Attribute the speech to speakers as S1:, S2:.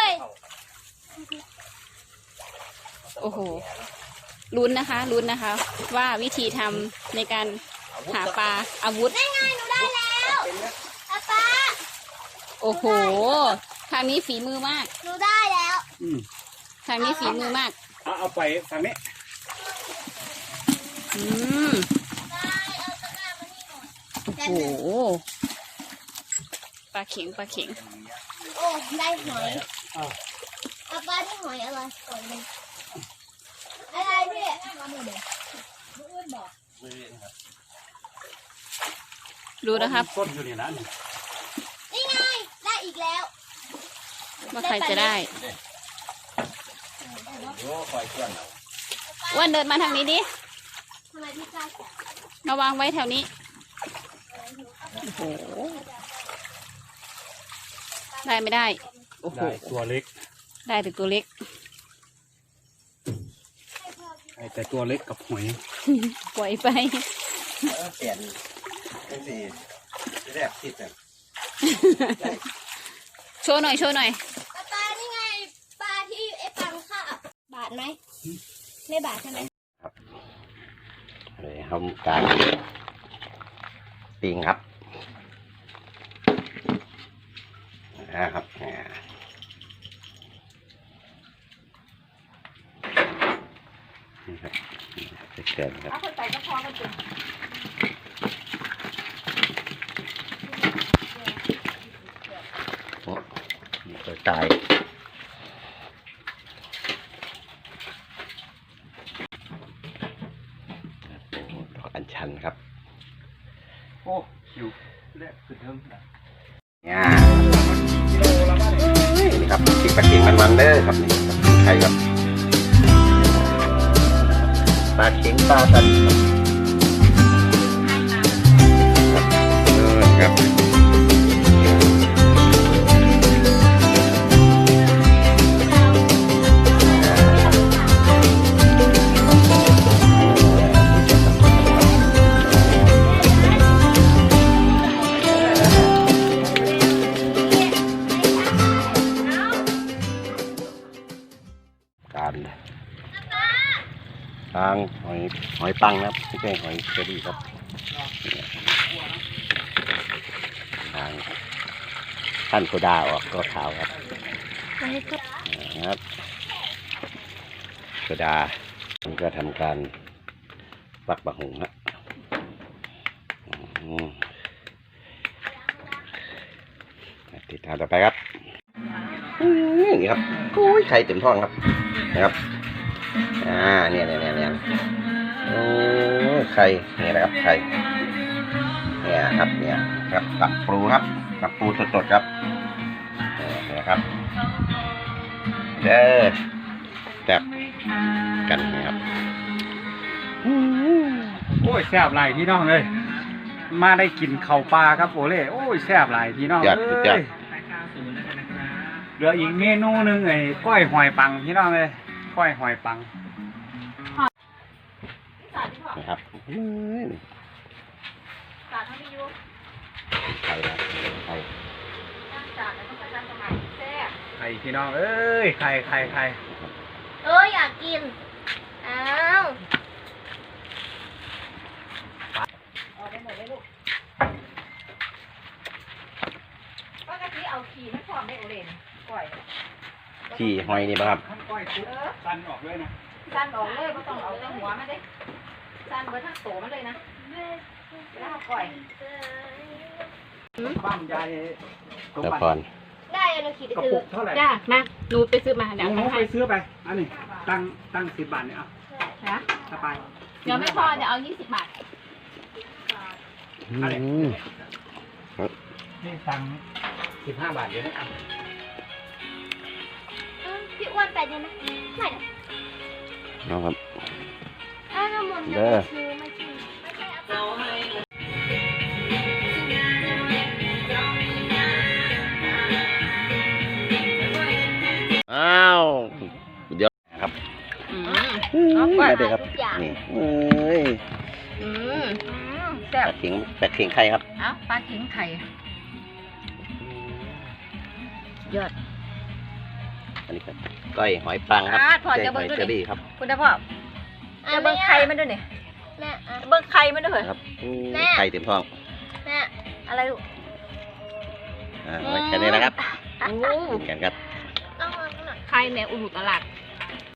S1: โอ้โหลุ้นนะคะว่าวิธีทำในการหาปลาอาวุธ
S2: ได้ไงหนูได้แล้วป้า
S1: โอ้โหทางนี้ฝีมือมาก
S2: หนูได้แล้ว
S1: ทางนี้ฝีมือมาก
S3: เอาไปทางนี้
S1: โอ้โหปลาเข็ง
S2: โอ้ได้หอยป้าได้หอยอะไรหอยมันอะไรพี่มาหนูเด็กมือบอก
S1: ดูนะครับ
S3: ต้นอยู่นี่นะ
S2: นี่ไงได้อีกแล้ว
S1: ว่าใครจะได้อ้วนเดินมาทางนี้ดิ
S2: ทำไมพี่กล้าจับ
S1: มาวางไว้แถวนี้โอ้โหได้ไม่ได้โอ้โห
S3: ตัวเล็ก
S1: ได้แต่ตัวเล็ก
S3: แต่ตัวเล็กกับหอย
S1: ปล่อยไป
S4: เปลี่ยนเป็นสีแรกติดเลย
S1: โชว์หน่อย
S2: ปลานี่ไงปลาที่ไอ้ปังค่ะบาดไหมไม่บาดใช่ไหม
S4: ครับเลยทำการปิ้งครับนะครับนี่ครับเกิดครับ
S1: เอาคนใส่ก็พอกันจุด
S4: โอ้ยตัวตายดอกอัญชันครับ
S3: โอ้อยู่แรกคือเทิง
S4: เนี่ยนี่ครับติดปลาเข็งมันเด้อครับนี่ใครครับปลาเข็งปลาตันครับทางหอยปังนะครับไม่ใช่หอยเชอรี่ครับทางท่านโซดาออกก็ขาวครับครับโซดาผมก็ทำการปักบะหุงนะติดตามต่อไปครับนี่ครับกุ้ยไข่เต็มท้องครับนะครับเนี่ยโอ้ไข่นี่นะครับไข่เนี่ยครับเนี่ยครับกับปูครับกับปูสดๆครับเนี่ยครับเด้อจับกันนะครับ
S3: โอ้ยแซ่บหลายพี่น้องเลยมาได้กินข้าวปลาครับโอเล่โอ้ยแซ่บหลายพี่น้องเลยเหลืออีกเมนูหนึ่งไอ้ก้อยหอยปังพี่น้องเลยก้อยหอยปัง
S4: นะครับไข่
S3: ไข่พี่น้องเอ้ยไข่
S2: อยากกินอ้าวได้หมดเลยลูกปกติเอาขี่ไม่พร้อมได้โอเลนก้อย
S4: ขี่หอยนี่ป่ะครับ
S3: ก้อยสั้นออกเลยนะ
S2: สั้นออกเลยไม่ต้องเอาแต่หัวมาได้สั้นเบอร์ทั้งโตมันเลยนะแล้วก้อย
S3: บ้านใหญ่
S4: แล้วพร
S2: ได้เราขี่ไปซื้อ
S3: เท่าไหร่
S1: จ้ามาหนูไปซื้อมาเดี๋ยว
S3: หนูไปซื้อไปอันนี้ตั้ง10 บาทเนี่ยเอาถ้าไป
S1: เดี๋ยวไม่พอเดี๋ยวเอา20 บาท
S3: นี่ตัง15 บาทเดี๋ยวนะ
S2: พี่อ้วนไปได้ไหมไม่ได้
S4: นะครับ
S2: น้ำมันเด้อ
S4: อ้าวเดี๋ยวครับ
S1: มา
S4: เด็กครับนี่
S1: แซ่บ
S4: แปดเข่งไข่ครับ
S1: ปลาเข็งไข่ยอด
S4: อันนี้ครับก้อยหอยปังครับ
S1: พอ
S4: ใช่
S1: จะ
S4: ห
S1: เบิ่
S4: อง ย
S1: ดู
S4: เชอ
S1: ดิ
S4: รี่ครับ
S1: คุณพ่อจะเบิ่งไข่มันด้วยเนี่ย
S2: แม่อ่ะ
S1: เบิ่งไข่มันด้วยเหรอ
S4: ครับอู้
S2: แม่
S4: ไข่เต็มท้อง
S2: แม่
S1: อะไรลูก
S4: ไว้แค่นี้นะครับกินกันครับ
S2: ต้องมาหน่อย
S1: ไข่แม่อุลุตลาด